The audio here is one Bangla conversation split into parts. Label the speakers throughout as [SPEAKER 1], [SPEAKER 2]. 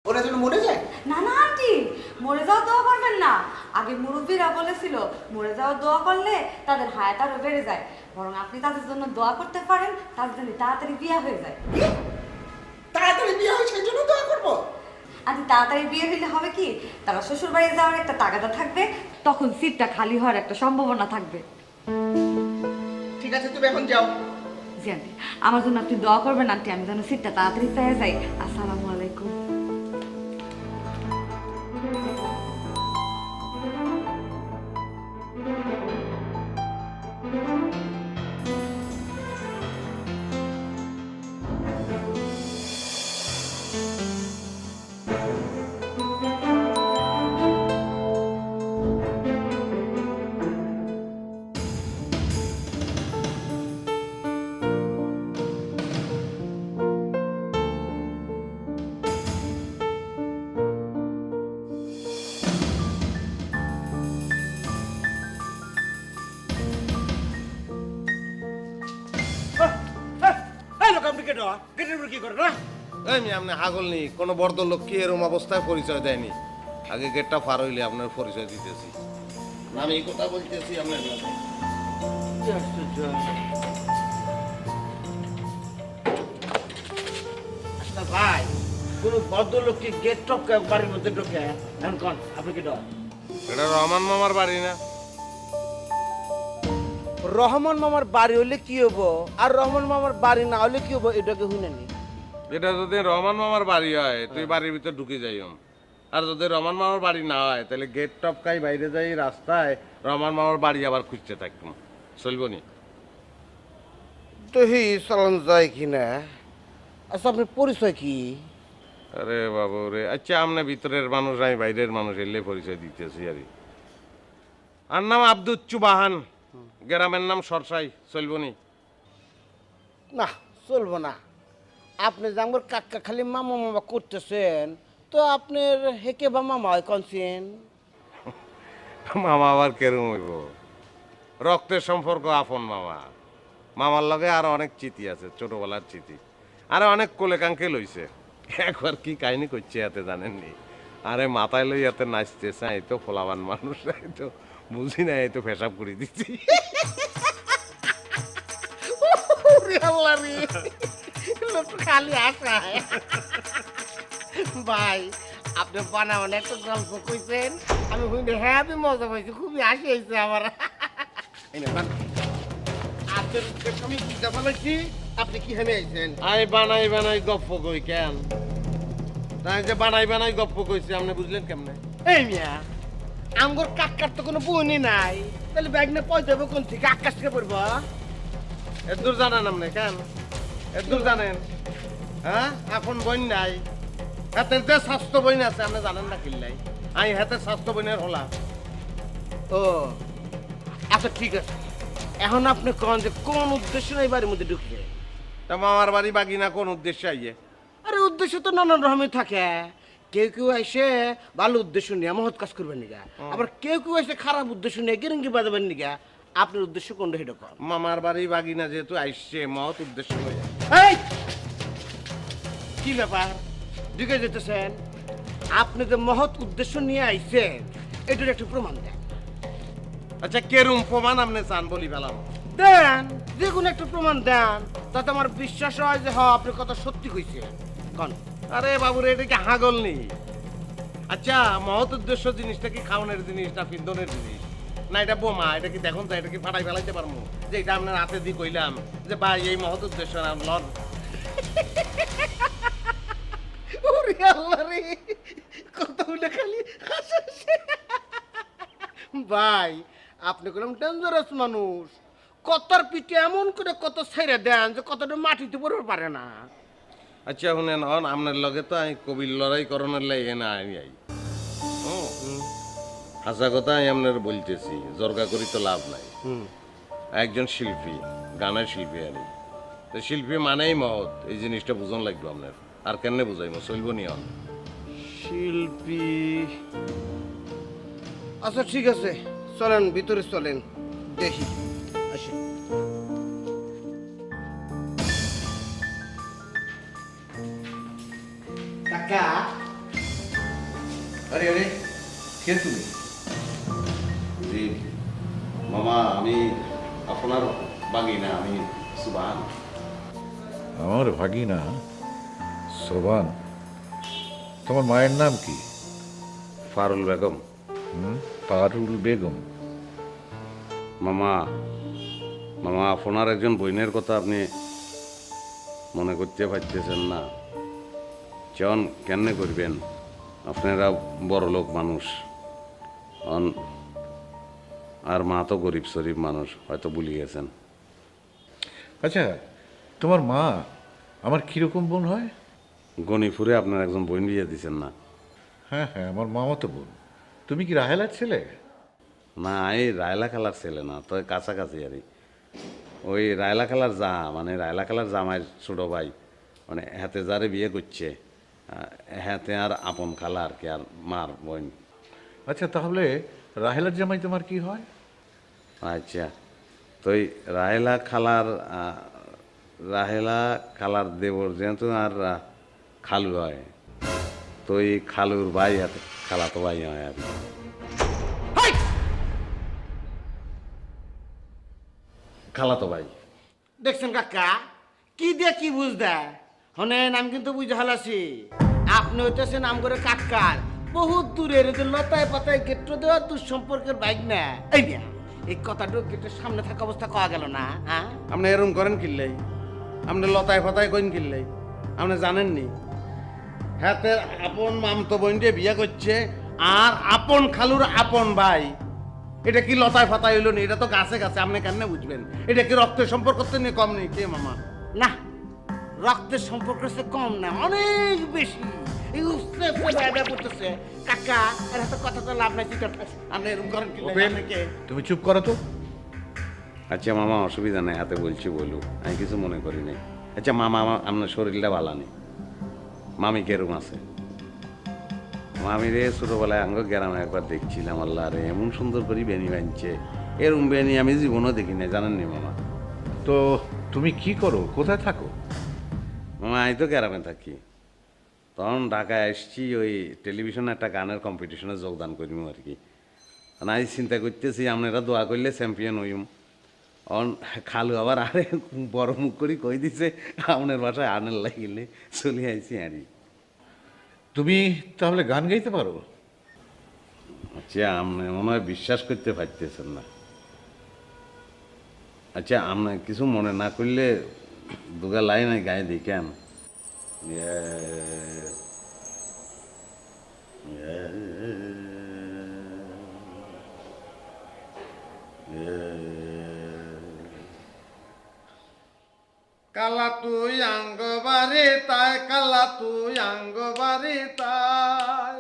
[SPEAKER 1] ওরা যেন মরে যায়।
[SPEAKER 2] না না আন্টি, মরে যাওয়ার দোয়া করবেন না। আগে মুরব্বীরা বলেছিল মরে যাওয়ার দোয়া করলে তাদের হায়াত আরো বেড়ে যায়। বরং আপনি তাদের জন্য দোয়া করতে পারেন, তাদের জন্য তাড়াতাড়ি বিয়ে হয়ে যায়।
[SPEAKER 1] তাড়াতাড়ি বিয়ে হয় সেই জন্য দোয়া করবো।
[SPEAKER 2] আন্টি তাড়াতাড়ি বিয়ে হইলে হবে কি, তারা শ্বশুর বাড়ি যাওয়ার একটা তাগাদা থাকবে, তখন সিটটা খালি হওয়ার একটা সম্ভাবনা থাকবে।
[SPEAKER 1] ঠিক আছে, তুমি এখন যাও।
[SPEAKER 2] জি আন্টি, আমার জন্য আপনি দোয়া করবেন আন্টি, আমি যেন সিটটা তাড়াতাড়ি পেয়ে যাই। আসসালামু আলাইকুম।
[SPEAKER 3] আপনি হাগল নি কোনো বর্দ লোক কি এরম অবস্থায় পরিচয় দেয়নি। আগে গেটটা পার হইলে আপনার পরিচয় দিতেছি। আমি এই কথা বলতেছি আপনার
[SPEAKER 4] ভাই কোন ভদ্রলোককে গেট টপকে বাড়ির মধ্যে ঢোকে এখন কোন আপনি কি ডর?
[SPEAKER 3] এটা রহমান মামার বাড়ি না?
[SPEAKER 4] রহমান মামার বাড়ি হলে কি হবো আর রহমান মামার বাড়ি না হলে কি হবো এটাকে শুনেনি।
[SPEAKER 3] এটা যদি রহমান মামার বাড়ি হয় তুই বাড়ির ভিতর ঢুকে যাইম, আর যদি রহমান মামার বাড়ি না হয় তাহলে গেট টপকাই বাইরে যাই রাস্তায় রহমান মামার বাড়ি আবার খুঁজতে থাকতাম, চলব নি?
[SPEAKER 4] তো হি চালান যায় কি না? আচ্ছা আপনার পরিচয় কি?
[SPEAKER 3] আরে বাবু রে, আচ্ছা আমনে ভিতরের মানুষ আমি বাইরের মানুষ এলে পরিচয় দিতেছি। আর নাম আব্দুচ্চু বাহান, গ্রামের নাম সরসাই, চলব নি?
[SPEAKER 4] না চলবো না। আপনি যে আমার কাকা খালি মামা মামা করতেছেন, তো আপনার হেকে বা মামা হয় কনসেন?
[SPEAKER 3] মামা আবার কেরম হইব? রক্তের সম্পর্ক আপন মামা। মামার লগে আরো অনেক চিঠি আছে, ছোটবেলার চিঠি, আরে অনেক কোলেকাঙ্কে লইছে। একবার কি কাহিনী করছে এতে জানেননি? আরে মাথায় লই এতে নাচতেছে, এই তো ফোলাবান মানুষ, এই তো বুঝি না, এই তো পেশাব করে দিচ্ছি।
[SPEAKER 4] খালি আসা ভাই আপনি বানাবেন একটা গল্প কইছেন, আমি শুনে হ্যাঁ আমি মজা পাইছি, খুবই হাসি হয়েছে আমার। আমি বুঝতে পারছি আপনি কি হেমে আইছেন।
[SPEAKER 3] আই বানাই বানাই গপ্প কই কেন? তাই যে বানাই বানাই গপ্প কইছি, আপনি বুঝলেন কেমনে?
[SPEAKER 4] এই মিয়া আমগর কাকার তো কোনো বউনি নাই, তাহলে ব্যাগ না পয়সা দেবো কোন থেকে? আকাশ থেকে পড়বো?
[SPEAKER 3] এত দূর জানেন আপনি কেন? এত দূর জানেন? হ্যাঁ, এখন বই নাই হাতের যে স্বাস্থ্য বই আছে আপনি জানেন না কিল্লাই? আমি হাতের স্বাস্থ্য বইনের হলা।
[SPEAKER 4] ও আচ্ছা ঠিক আছে, এখন আপনি কোন যে কোন উদ্দেশ্য নাই বাড়ির মধ্যে ঢুকছে?
[SPEAKER 3] তা মামার বাড়ি বাগিনা কোন উদ্দেশ্যে আইয়ে?
[SPEAKER 4] আরে উদ্দেশ্য তো নানান রকমের থাকে। কেউ কেউ এসে ভালো উদ্দেশ্য নিয়ে মহৎ কাজ করবেন নিগা, আবার কেউ কেউ এসে খারাপ উদ্দেশ্য নিয়ে গেরঙ্গি বাজাবেন নিগা। আপনার উদ্দেশ্য কোনটা সেটা কর।
[SPEAKER 3] মামার বাড়ি বাগিনা যেহেতু আইসছে মহৎ উদ্দেশ্য হয়ে।
[SPEAKER 4] এই কি ব্যাপার ঢুকে যেতেছেন? আপনি যে মহৎ উদ্দেশ্য নিয়ে আইছেন এটার একটু প্রমাণ দেন।
[SPEAKER 3] আচ্ছা কেরুম প্রমাণ আপনি চান বলি পেলাম?
[SPEAKER 4] দেন, যে কোনো একটা প্রমাণ দেন, তাতে আমার বিশ্বাস হয় যে হ্যাঁ আপনি কথা সত্যি কইছে। কন।
[SPEAKER 3] আরে বাবুরে, এটা কি হাগল নেই? আচ্ছা মহৎ উদ্দেশ্য জিনিসটা কি খাওয়ানোর জিনিস না পিন্দনের জিনিস? না এটা বোমা? এটা কি দেখুন তো, এটা কি ফাটাই ফেলাইতে পারবো? যে এটা আপনার হাতে দিয়ে কইলাম যে ভাই এই মহৎ উদ্দেশ্য না লন।
[SPEAKER 4] ওরে আল্লাহ রে, কতগুলো খালি হাসছে। ভাই আপনি কোন ডেঞ্জারাস মানুষ, কতর পিঠে এমন করে কত ছেড়ে দেন যে কতটা মাটিতে পড়তে পারে না।
[SPEAKER 3] আচ্ছা শুনেন, আপনার লগে তো আমি কবির লড়াই করণের লাগে না আমি আই। হাসা কথা আমি আপনার বলতেছি, জর্গা করি তো লাভ নাই। একজন শিল্পী, গানের শিল্পী আমি, তো শিল্পী মানেই মহৎ, এই জিনিসটা বুঝন লাগবে আপনার। আর কেন বুঝাইমো, চলব নি?
[SPEAKER 4] শিল্পী, আচ্ছা ঠিক আছে, চলেন ভিতরে চলেন দেখি। আসেন। কাকা
[SPEAKER 5] আরে আরে কে তুমি?
[SPEAKER 3] জি মামা, আমি আপনার বাগিনা, আমি সুবহান।
[SPEAKER 5] আমার ভাগিনা সোবান। তোমার মায়ের নাম কি?
[SPEAKER 3] ফারুল বেগম।
[SPEAKER 5] পারুল বেগম।
[SPEAKER 3] মামা, মামা আপনার একজন বোনের কথা আপনি মনে করতে পারতেছেন না। জন কেমনে করবেন? আপনারা বড় লোক মানুষ, আর মা তো গরিব শরীফ মানুষ, হয়তো ভুলে গেছেন।
[SPEAKER 5] আচ্ছা, তোমার মা আমার কিরকম বোন হয়?
[SPEAKER 3] গণিপুরে আপনার একজন বোন বিয়ে দিচ্ছেন না?
[SPEAKER 5] হ্যাঁ হ্যাঁ, আমার মামা তো বোন। তুমি কি রাহেলার ছেলে?
[SPEAKER 3] না, এই রায়লা খালার ছেলে না, তো কাছাকাছি আর ওই রায়লা খালার মানে রায়লা খালার জামাইয়ের ছোট ভাই, মানে হাতে যারে বিয়ে করছে হাতে আর আপন খালা আর কি, আর মার বোন।
[SPEAKER 5] আচ্ছা, তাহলে রাহেলার জামাই তোমার কি হয়?
[SPEAKER 3] আচ্ছা, তো ওই রাহেলা খালার দেবর যেহেতু আর খালু হয়, তো ওই খালুর ভাই হাতে খালা তো ভাই হয় আর কি। খালা তো ভাই।
[SPEAKER 4] দেখছেন কাকা, কি দিয়ে কি বুঝ দেয়? হনেন, আমি কিন্তু বুঝে হালাছি আপনি হইতেছেন নাম করে কাকার বহুত দূরের যে লতায় পাতায় গেট্টো দেওয়া দুঃসম্পর্কের বাইক না। এই না, এই কথাটা গেটের সামনে থাকা অবস্থা কওয়া গেল না? হ্যাঁ,
[SPEAKER 3] আপনি এরম করেন কিনলেই, আপনি লতায় ফতায় কইন কিনলেই, আপনি জানেননি হাতে আপন মামতো বোন দিয়ে বিয়ে করছে আর আপন খালুর আপন ভাই। এটা কি লতায় ফাতায় হইল না? এটা তো গাছে গাছে, আপনি কেন বুঝবেন? এটা কি রক্তের সম্পর্ক তো নিয়ে কম নেই কে মামা?
[SPEAKER 4] না, রক্তের সম্পর্ক সে কম না, অনেক বেশি। এই উস্তে উস্তে বাইরে পড়তেছে কাকা, এর হাতে কথা তো লাভ নাই।
[SPEAKER 3] আপনি এরকম করেন কি?
[SPEAKER 5] তুমি চুপ করো তো।
[SPEAKER 3] আচ্ছা মামা, অসুবিধা নাই, হাতে বলছি বলু, আমি কিছু মনে করি নাই। আচ্ছা মামা, আপনার শরীরটা ভালো নেই, মামি কেরম আছে? মামি রে ছোটবেলায় আঙ্গ গ্রামে একবার দেখছিলাম, আল্লাহ রে এমন সুন্দর করে বেনি বানছে, এরম বেনি আমি জীবনও দেখি নাই, জানেননি মামা?
[SPEAKER 5] তো তুমি কি করো, কোথায় থাকো?
[SPEAKER 3] মামা আমি তো গ্রামে থাকি, তখন ঢাকায় আসছি ওই টেলিভিশনে একটা গানের কম্পিটিশনে যোগদান করিম আর কি। আমি চিন্তা করতেছি আপনারা দোয়া করলে চ্যাম্পিয়ন হইম। অন খালু আবার আরে বড় মুখ করে কই দিছে আপনার বাসায় আনের লাগিলে চলে আইছি আরই।
[SPEAKER 5] তুমি তাহলে গান গাইতে পারো?
[SPEAKER 3] আচ্ছা, আপনি মনে হয় বিশ্বাস করতে পারতেছেন না। আচ্ছা, আপনি কিছু মনে না করলে দুগা লাইন গায়ে দেখেন। কালা তুই আঙ্গ বাড়ি তাই, কালা তুই আঙ্গ বাড়ি তাই,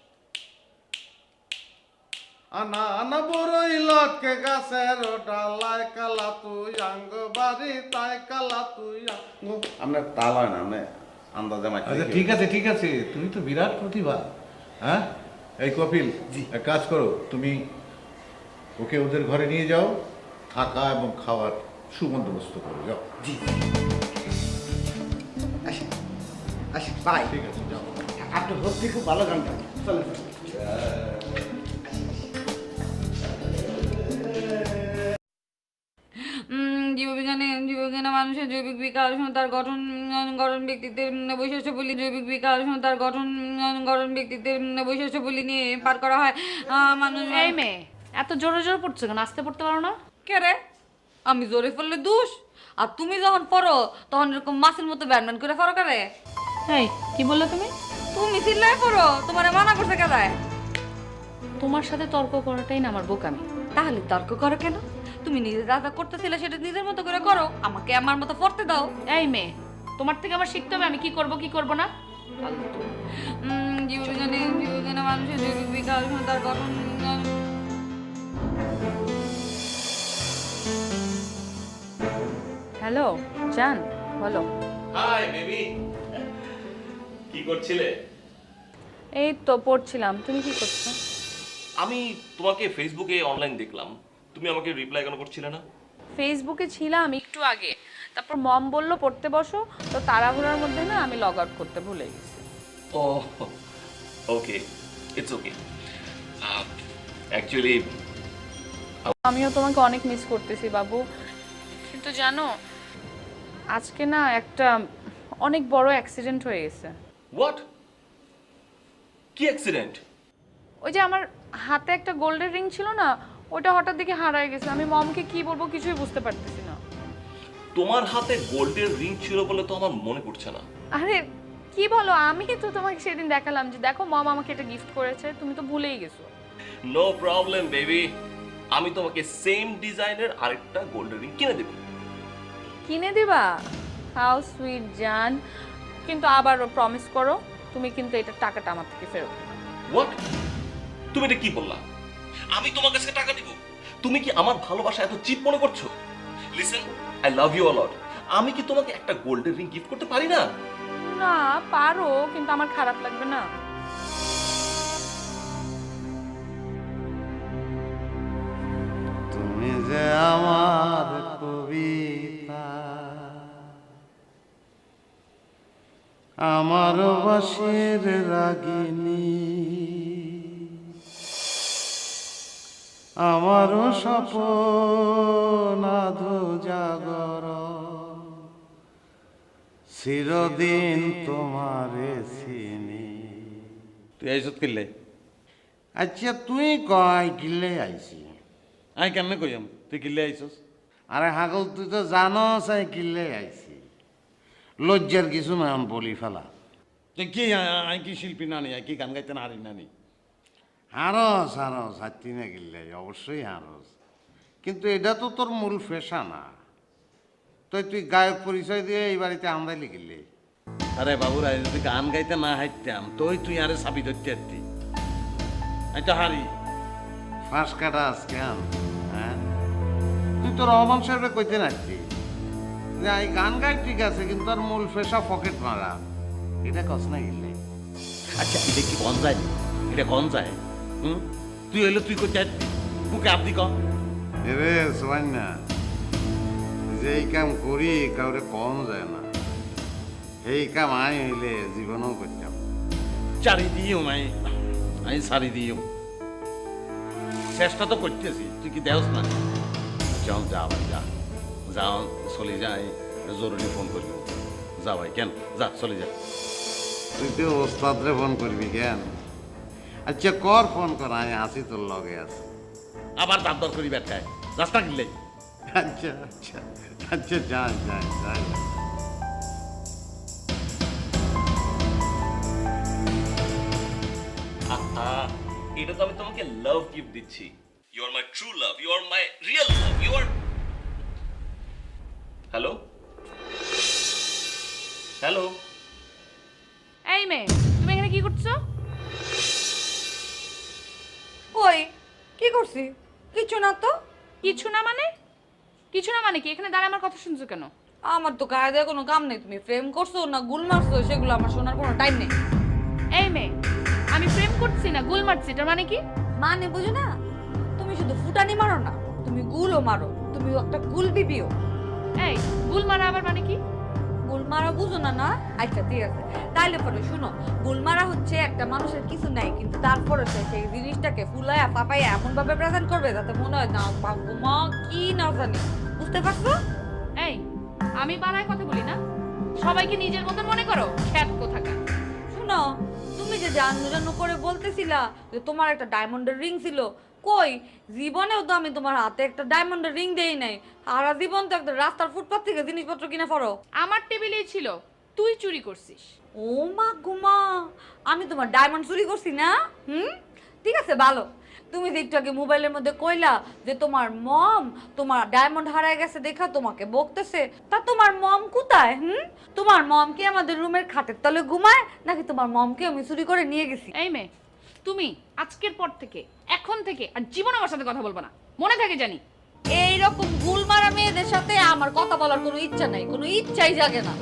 [SPEAKER 3] আনা আনা বড়ই লটকে গাছের ডালায়, কালা তুই আঙ্গ বাড়ি তাই, কালা তুই আপনার তাল হয় না, আপনি আন্দাজে মাইতে।
[SPEAKER 5] আচ্ছা ঠিক আছে ঠিক আছে, তুমি তো বিরাট প্রতিভা। হ্যাঁ, এই কপিল, এক কাজ করো, তুমি ওকে ওদের ঘরে নিয়ে যাও, থাকা এবং খাওয়ার সুবন্দোবস্ত করো, যাও।
[SPEAKER 4] জি, আসেন আসেন ভাই,
[SPEAKER 5] ঠিক আছে, যাও।
[SPEAKER 4] আপনি সত্যি খুব ভালো গান গান। চলেন
[SPEAKER 2] জীববিজ্ঞানে মানুষের জৈবিক বিকাশ ও তার গঠন গঠন ব্যক্তিত্বের বৈশিষ্ট্যগুলি, জৈবিক বিকাশ ও তার গঠন গঠন ব্যক্তিত্বের বৈশিষ্ট্যগুলি নিয়ে পার করা হয়। মানুষ
[SPEAKER 6] এই মেয়ে এত জোরে জোরে পড়ছো কেন? আসতে পড়তে পারো না?
[SPEAKER 2] কে রে? আমি জোরে পড়লে দোষ, আর তুমি যখন পড়ো তখন এরকম মাছের মতো ব্যানম্যান করে পড়ো কারে?
[SPEAKER 6] এই কি বললে তুমি?
[SPEAKER 2] তুমি চিল্লাই পড়ো, তোমার মানা করছে কেদায়?
[SPEAKER 6] তোমার সাথে তর্ক করাটাই না আমার বোকামি।
[SPEAKER 2] তাহলে তর্ক করো কেন? তুমি নিজে যা যা করতেছিলে সেটা নিজের মতো করে করো, আমাকে আমার মতো পড়তে দাও।
[SPEAKER 6] এই মেয়ে, তোমার থেকে আমার শিখতে হবে আমি কি করব কি করব না।
[SPEAKER 2] জীববিজ্ঞানে মানুষের জৈবিক বিকাশ ও তার গঠন।
[SPEAKER 6] হ্যালো জান, বলো।
[SPEAKER 7] হাই বেবি, কি করছিলে?
[SPEAKER 6] এই তো পড়ছিলাম, তুমি কি করছো?
[SPEAKER 7] আমি তোমাকে ফেসবুকে অনলাইন দেখলাম, তুমি আমাকে রিপ্লাই কেন করছিলে না?
[SPEAKER 6] ফেসবুকে ছিলাম একটু আগে, তারপর মম বললো পড়তে বসো, তো তাড়াহুড়ার মধ্যে না আমি লগ আউট করতে ভুলে গেছি।
[SPEAKER 7] ও ওকে, ইটস ওকে। অ্যাকচুয়ালি
[SPEAKER 6] আমিও তোমাকে অনেক মিস করতেছি বাবু, কিন্তু জানো আজকে না একটা অনেক বড় অ্যাক্সিডেন্ট হয়ে গেছে।
[SPEAKER 7] হোয়াট? কি অ্যাক্সিডেন্ট?
[SPEAKER 6] ওই যে আমার হাতে একটা গোল্ডের রিং ছিল না, ওটা হঠাৎ দেখে হারায় গেছে। আমি মমকে কি বলবো কিছুই বুঝতে পারতেছি না।
[SPEAKER 7] তোমার হাতে গোল্ডের রিং ছিল বলে তো আমার মনে পড়ছে না।
[SPEAKER 6] আরে কি বলো, আমি তো তোমাকে সেদিন দেখালাম যে দেখো মম আমাকে এটা গিফট করেছে, তুমি তো ভুলেই গেছো।
[SPEAKER 7] নো প্রবলেম বেবি, আমি তোমাকে সেম ডিজাইনের আরেকটা গোল্ডের রিং কিনে দেব।
[SPEAKER 6] কিনে দিবা? হাউ সুইট জান, কিন্তু আবার প্রমিস করো তুমি কিন্তু এটা টাকাটা আমার থেকে ফেরত দিবা।
[SPEAKER 7] হোয়াট? তুমি এটা কি বললা? আমি তোমার কাছে টাকা দিব? তুমি কি আমার ভালোবাসা এত চিপ মনে করছো? Listen, I love you a lot. আমি কি তোমাকে একটা গোল্ডের রিং গিফট করতে পারি না?
[SPEAKER 6] না পারো, কিন্তু আমার খারাপ লাগবে না।
[SPEAKER 4] তুমি যে আমার কবিতা, আমার বাসের রাগিনী, আমার স্বপ্ন আধো জাগর, চিরদিন তোমারে চিনি।
[SPEAKER 3] তুই আইসত কিনলে?
[SPEAKER 4] আচ্ছা তুই কয় কিলে আইছি?
[SPEAKER 3] আমি কেমনে কইম তুই কিনলে আইসস?
[SPEAKER 4] আরে হাগল তুই তো জানোস আমি কিলে আইছি, লজ্জার কিছু না বলি ফেলা।
[SPEAKER 3] তুই কি আমি কি শিল্পী নানি, আমি কি গান গাইতে না হারি নানি?
[SPEAKER 4] হারস হারস হাতি না কিনলে অবশ্যই হারস, কিন্তু এটা তো তোর মূল পেশা না। তুই গায়ক পরিচয় দিয়ে এই বাড়িতে আমদাই লিখিলে।
[SPEAKER 3] আরে বাবুরা যদি গান গাইতে না হাইতাম তুই আরে চাবি ধরতে হারতি, আমি তো হারি।
[SPEAKER 4] ফাঁস কাটা আজকে হ্যাঁ, তুই তো রহমান সাহেবের কইতে নাচছি যে এই গান গাই ঠিক আছে, কিন্তু আর মূল পেশা পকেট মারা, এটা কস না গেলে।
[SPEAKER 3] আচ্ছা এটা কি কন যায়? এটা কন যায়? তুই হইলে তুই করতে হারতি, মুখে আপনি ক।
[SPEAKER 4] এরে সোয়ান না, যে এই কাম করি কাউরে কম যায় না, এই কাম আমি হইলে জীবনেও করতাম।
[SPEAKER 3] চারি দিও আমি সারি দিও, চেষ্টা তো করতেছি, তুই কি দেওস না? যাও যা ভাই যা, যাও চলে যাই, জরুরি ফোন করবি। যা ভাই কেন যা চলে যা।
[SPEAKER 4] তুই তো ওস্তাদরে ফোন করবি কেন? আচ্ছা কর ফোন কর, আমি আসি তোর লগে আছি।
[SPEAKER 3] আবার দাঁত দর করি ব্যাটকায় রাস্তা কিনলে।
[SPEAKER 4] আচ্ছা আচ্ছা আচ্ছা যাই যাই যাই।
[SPEAKER 7] আহা, এটা তো আমি তোমাকে লাভ গিফট দিচ্ছি। You are my true love, you are my real love, you are. Hello hello,
[SPEAKER 6] এই মেয়ে তুমি এখানে কি করছো?
[SPEAKER 2] ওই কি করছি? কিছু না তো।
[SPEAKER 6] কিছু না মানে? কিছু না মানে কি? এখানে দাঁড়ায় আমার কথা শুনছো কেন?
[SPEAKER 2] আমার তো গায়ে দেওয়া কোনো কাম নেই। তুমি প্রেম করছো না গুল মারছো সেগুলো আমার শোনার কোনো টাইম নেই।
[SPEAKER 6] এই মেয়ে, আমি প্রেম করছি না গুল মারছি, এটার মানে কি?
[SPEAKER 2] মানে বুঝো না, তুমি শুধু ফুটানি মারো না, তুমি গুলও মারো। তুমি একটা গুল বিবিও।
[SPEAKER 6] এই গুল মারা আবার মানে কি?
[SPEAKER 2] গুল মারা বুঝো না? না আচ্ছা ঠিক আছে, তাইলে পরে শুনো। গুল মারা হচ্ছে একটা মানুষের কিছু নাই, কিন্তু তারপরে সে সেই জিনিসটাকে ফুলায়া পাপাইয়া এমন ভাবে প্রেজেন্ট করবে যাতে মনে হয় না মা কি না জানি। বুঝতে পারছো?
[SPEAKER 6] এই আমি বাড়ায় কথা বলি না, সবাইকে নিজের মতন মনে করো, খ্যাত কোথাকার।
[SPEAKER 2] শুনো, তুমি যে জানু করে বলতেছিলা যে তোমার একটা ডায়মন্ডের রিং ছিল, কই জীবনেও তো আমি তোমার হাতে একটা ডায়মন্ডের রিং দেই নাই। সারা জীবন তো একটা রাস্তার ফুটপাত থেকে জিনিসপত্র কিনে পড়ো।
[SPEAKER 6] আমার টেবিলেই ছিল, তুই চুরি করছিস।
[SPEAKER 2] ও মা গুমা, আমি তোমার ডায়মন্ড চুরি করছি না? ঠিক আছে ভালো। তুমি যে একটু আগে মোবাইলের মধ্যে কইলা যে তোমার মম তোমার ডায়মন্ড হারায় গেছে দেখা তোমাকে বকতেছে, তা তোমার মম কোথায়? তোমার মম কি আমাদের রুমের খাটের তলে ঘুমায়, নাকি তোমার মমকে আমি চুরি করে নিয়ে গেছি?
[SPEAKER 6] এই মেয়ে, তুমি আজকের পর থেকে এখন থেকে আর জীবন আমার সাথে কথা বলবা না, মনে থাকে জানি।
[SPEAKER 2] এইরকম গুল মারা মেয়েদের সাথে আমার কথা বলার কোনো ইচ্ছা নাই, কোনো ইচ্ছাই জাগে না।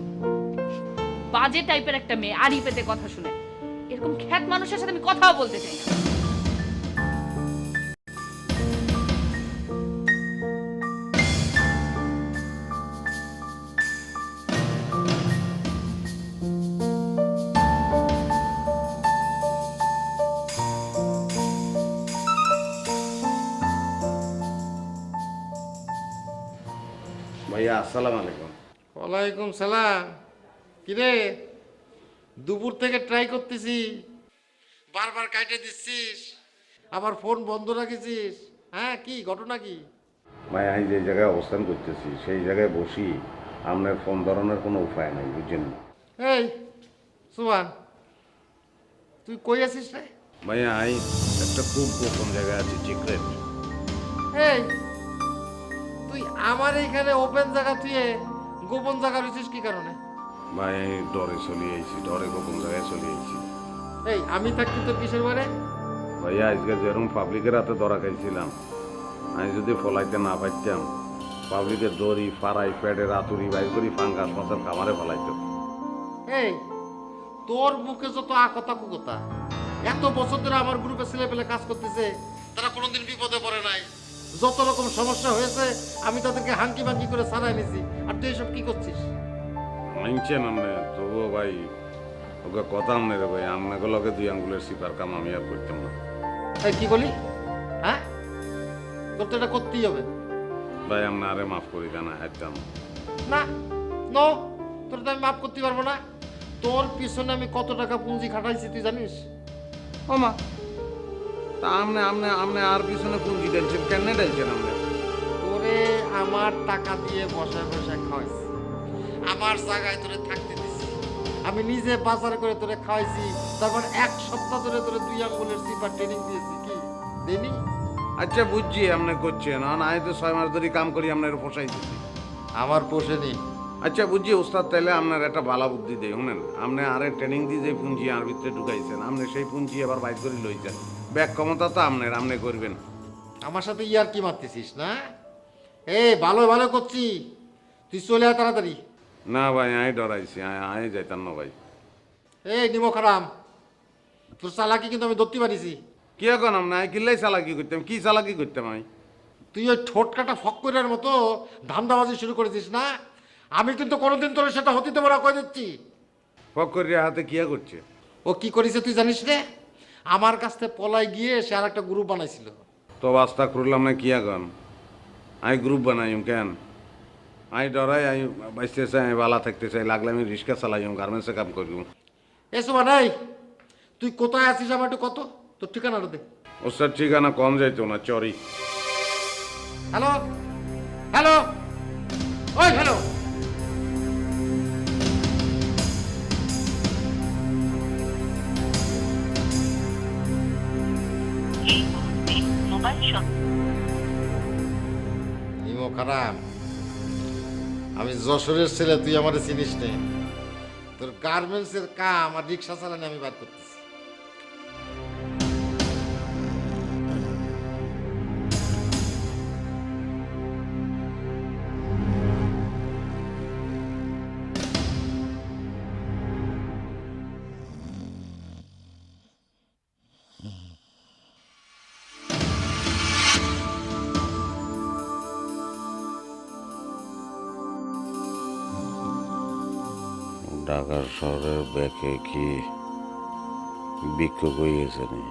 [SPEAKER 6] বাজে টাইপের একটা মেয়ে, আড়ি পেতে কথা শুনে। এরকম খ্যাত মানুষের সাথে আমি কথাও বলতে চাই না।
[SPEAKER 3] ভাইয়া আসসালামু আলাইকুম।
[SPEAKER 4] ওয়ালাইকুম সালাম। কিরে, দুপুর থেকে ট্রাই করতেছি, বারবার কাটে দিচ্ছিস, আবার ফোন বন্ধ রাখিছিস। হ্যাঁ, কি ঘটনা কি?
[SPEAKER 3] ভাই আমি যে জায়গায় অবস্থান করতেছি সেই জায়গায় বসি আপনার ফোন ধরনের কোনো উপায় নাই, বুঝছেন?
[SPEAKER 4] এই সুমান, তুই কই আছিস রে?
[SPEAKER 3] ভাইয়া আমি একটা খুব গোপন জায়গায় আছি, সিক্রেট।
[SPEAKER 4] এই তুই আমার এইখানে ওপেন জায়গা তুই গোপন জায়গা রয়েছিস কি কারণে?
[SPEAKER 3] ভাই আমি ডরে চলে আইছি, ডরে গোপন জায়গায় চলে আইছি।
[SPEAKER 4] এই আমি থাকছি তোর কিসের বারে?
[SPEAKER 3] ভাইয়া আজকে যেরকম পাবলিকের হাতে ধরা খাইছিলাম, আমি যদি ফলাইতে না পারতাম পাবলিকের দড়ি ফাড়াই পেটের আতুরি বাইর করি ফাঙ্গাস মাছের খামারে ফলাইতো।
[SPEAKER 4] এই তোর মুখে যত আকতা কুকতা, এত বছর ধরে আমার গ্রুপে ছেলে পেলে কাজ করতেছে, তারা কোনোদিন বিপদে পড়ে নাই। যত রকম সমস্যা হয়েছে আমি তাদেরকে হাঙ্কি বাঙ্কি করে সারাই নিছি, আর তুই এসব কি করছিস?
[SPEAKER 3] মানছেন আপনি, তবুও ভাই ওকে কথা আমনে রে ভাই, আপনাকে লগে 2 আঙ্গুলের সিপার কাম আমি আর করতাম না।
[SPEAKER 4] এই কি বলি? হ্যাঁ, তোর তো এটা করতেই হবে।
[SPEAKER 3] ভাই আপনি আরে মাফ করি দেন, হাইতাম
[SPEAKER 4] না, নো, তোর তো আমি মাফ করতে পারবো না। তোর পিছনে আমি কত টাকা পুঁজি খাটাইছি তুই জানিস?
[SPEAKER 3] ও মা, তা আপনি আর পিছনে পুঁজি ডালছেন, কেন ডালছেন আপনি?
[SPEAKER 4] তোরে আমার টাকা দিয়ে বসায় বসায় খাওয়াইছি, আমার জায়গায় তোরে থাকতে দিছি, আমি নিজে বাজার করে তোরে খাওয়াইছি, তারপর 1 সপ্তাহ ধরে তোরে 2 আঙ্গুলের সিপার ট্রেনিং দিয়েছি, কি দেনি?
[SPEAKER 3] আচ্ছা বুঝছি আপনি করছেন, আমি তো 6 মাস ধরে কাম করি আপনার পোষাই দিচ্ছি।
[SPEAKER 4] আমার পোষেনি।
[SPEAKER 3] আচ্ছা বুঝছি ওস্তাদ, তাইলে আপনার একটা ভালো বুদ্ধি দেয়, শুনেন, আপনি আরে ট্রেনিং দিয়ে যে পুঁজি আর ভিতরে ঢুকাইছেন, আপনি সেই পুঁজি এবার বাইর করে লইছেন, ব্যাক ক্ষমতা তো আপনার, আপনি করবেন।
[SPEAKER 4] আমার সাথে ইয়ার কি মারতেছিস না? এই ভালো ভালো করছি, তুই চলে আয় তাড়াতাড়ি।
[SPEAKER 3] না ভাই আমি ডরাইছি, আমি যাইতাম না ভাই।
[SPEAKER 4] এই নিমো খারাম, তোর চালাকি কিন্তু আমি ধরতে পারিছি।
[SPEAKER 3] কি এখন আপনি কিল্লাই চালাকি করতাম, কি চালাকি করতাম আমি?
[SPEAKER 4] তুই ওই ঠোঁট কাটা ফক্করের মতো ধান্দাবাজি শুরু করেছিস না, আমি কিন্তু কোনোদিন তোর সেটা হতে দেবো না, কয়ে দিচ্ছি।
[SPEAKER 3] ফকরিয়া হাতে কিয়া করছে?
[SPEAKER 4] ও কি করেছে তুই জানিস রে? আমার কাছ থেকে পলাই গিয়ে সে আর একটা গ্রুপ বানাইছিল।
[SPEAKER 3] তো বাস্তা করলাম না, কিয়া গন আমি গ্রুপ বানাইম কেন? আমি ডরাই, আমি বাঁচতে চাই, আমি বালা থাকতে চাই, লাগলে আমি রিক্সা চালাইম, গার্মেন্টসে কাম করি।
[SPEAKER 4] এসো নাই, তুই কোথায় আছিস আমার একটু কত, তোর ঠিকানাটা দে।
[SPEAKER 3] ওস্তাদ ঠিকানা কম যাইতো না, চরি।
[SPEAKER 4] হ্যালো হ্যালো, ওই হ্যালো, নিমো খারাপ, আমি যশোরের ছেলে, তুই আমার চিনিস নে। তোর গার্মেন্টসের কাম আর রিক্সা চালানি আমি বাদ করতেছি।
[SPEAKER 3] ঢাকা শহরের ব্যাকে কি বিক্ষোভ হয়ে গেছে নি?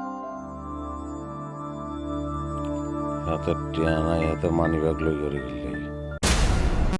[SPEAKER 3] হাতের টিয়া নাই, হাতে মানি ব্যাগ লই করে গেলে